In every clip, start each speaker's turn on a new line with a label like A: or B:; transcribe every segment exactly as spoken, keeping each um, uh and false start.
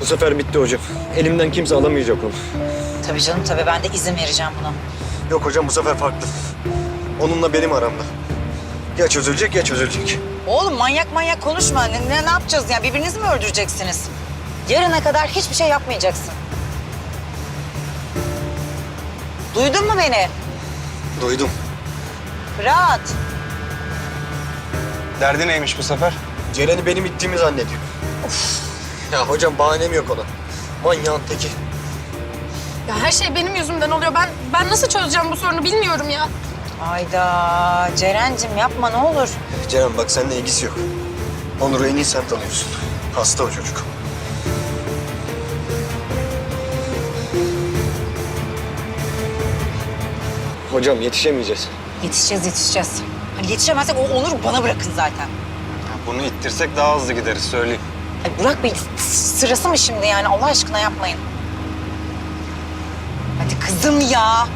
A: Bu sefer bitti hocam. Elimden kimse alamayacak onu.
B: Tabii canım tabii, ben de izin vereceğim buna.
A: Yok hocam, bu sefer farklı. Onunla benim aramda. Ya çözülecek ya çözülecek.
B: Oğlum manyak manyak konuşma. Ne, ne, ne yapacağız ya? Birbirinizi mi öldüreceksiniz? Yarına kadar hiçbir şey yapmayacaksın. Duydun mu beni?
A: Duydum.
B: Fırat.
C: Derdi neymiş bu sefer?
A: Ceren'i benim ittiğimi zannediyor. Of. Ya hocam bahanem yok ona. Manyağın teki.
D: Ya her şey benim yüzümden oluyor. Ben ben nasıl çözeceğim bu sorunu bilmiyorum ya.
B: Ayda Ceren'cim yapma ne olur.
A: Ceren bak, seninle ilgisi yok. Onur'u en iyi sen tanıyorsun. Hasta o çocuk. Hocam yetişemeyeceğiz.
B: Yetişeceğiz yetişeceğiz. Hani yetişemezsek o Onur'u bana bırakın zaten.
C: Bunu ittirsek daha hızlı gideriz söyleyeyim.
B: Ay Burak Bey, sırası mı şimdi yani? Allah aşkına yapmayın. Hadi kızım ya.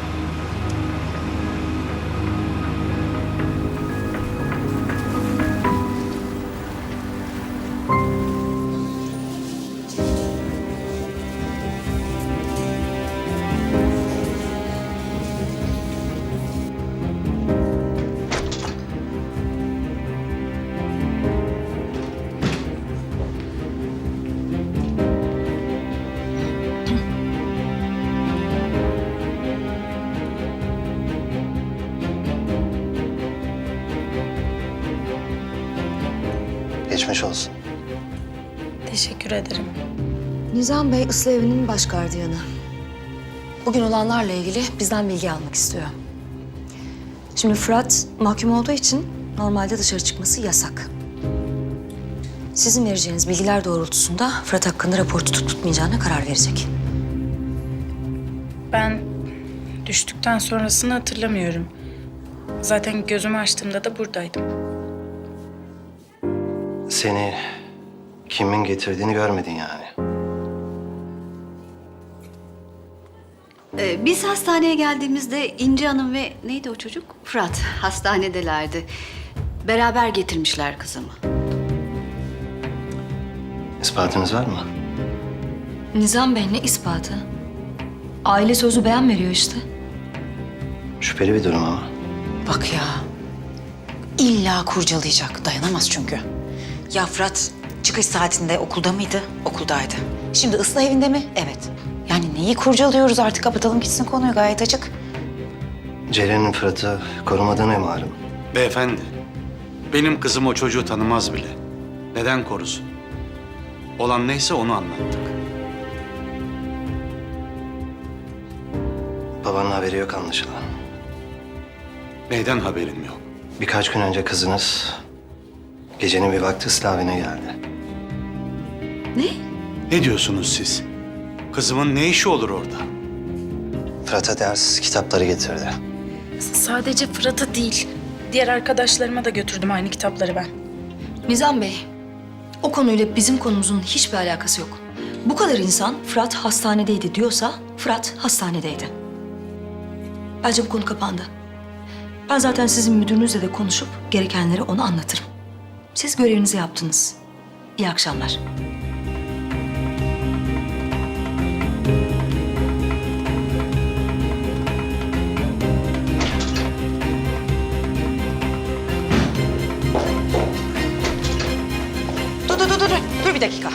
E: Geçmiş olsun.
D: Teşekkür ederim.
F: Nizam Bey ıslah evinin baş gardiyanı. Bugün olanlarla ilgili bizden bilgi almak istiyor. Şimdi Fırat mahkum olduğu için normalde dışarı çıkması yasak. Sizin vereceğiniz bilgiler doğrultusunda Fırat hakkında rapor tutup tutmayacağına karar verecek.
D: Ben düştükten sonrasını hatırlamıyorum. Zaten gözümü açtığımda da buradaydım.
E: Seni kimin getirdiğini görmedin yani.
G: Ee, biz hastaneye geldiğimizde İnci Hanım ve neydi o çocuk? Fırat hastanedelerdi. Beraber getirmişler kızımı.
E: İspatınız var mı?
F: Nizam Bey ne ispatı? Aile sözü beyan veriyor işte.
E: Şüpheli bir durum ama.
B: Bak ya. İlla kurcalayacak. Dayanamaz çünkü. Ya Fırat çıkış saatinde okulda mıydı? Okuldaydı. Şimdi ıslah evinde mi? Evet. Yani neyi kurcalıyoruz artık, kapatalım gitsin konuyu, gayet açık.
E: Ceren'in Fırat'ı korumadığına malum.
H: Beyefendi, benim kızım o çocuğu tanımaz bile. Neden korusun? Olan neyse onu anlattık.
E: Babanın haberi yok anlaşılan.
H: Neyden haberim yok?
E: Birkaç gün önce kızınız gecenin bir vakti ıslah evine geldi.
G: Ne?
H: Ne diyorsunuz siz? Kızımın ne işi olur orada?
E: Fırat'a ders kitapları getirdi.
D: Sadece Fırat'a değil, diğer arkadaşlarıma da götürdüm aynı kitapları ben.
F: Nizam Bey, o konuyla bizim konumuzun hiçbir alakası yok. Bu kadar insan Fırat hastanedeydi diyorsa Fırat hastanedeydi. Bence bu konu kapandı. Ben zaten sizin müdürünüzle de konuşup gerekenleri ona anlatırım. Siz görevinizi yaptınız. İyi akşamlar.
B: Dur dur dur dur. Dur bir dakika.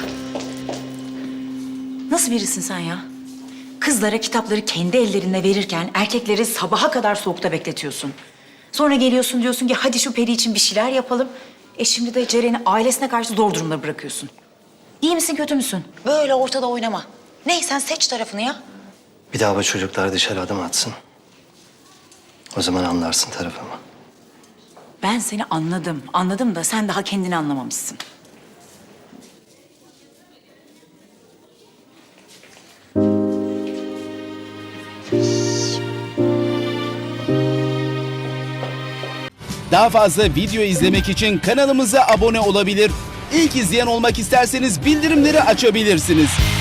B: Nasıl birisin sen ya? Kızlara kitapları kendi ellerinle verirken erkekleri sabaha kadar soğukta bekletiyorsun. Sonra geliyorsun diyorsun ki hadi şu Peri için bir şeyler yapalım. E şimdi de Ceren'i ailesine karşı zor durumda bırakıyorsun. İyi misin kötü müsün? Böyle ortada oynama. Ne sen seç tarafını ya.
E: Bir daha bu çocuklar dışarı adım atsın. O zaman anlarsın tarafımı.
B: Ben seni anladım. Anladım da sen daha kendini anlamamışsın.
I: Daha fazla video izlemek için kanalımıza abone olabilir. İlk izleyen olmak isterseniz bildirimleri açabilirsiniz.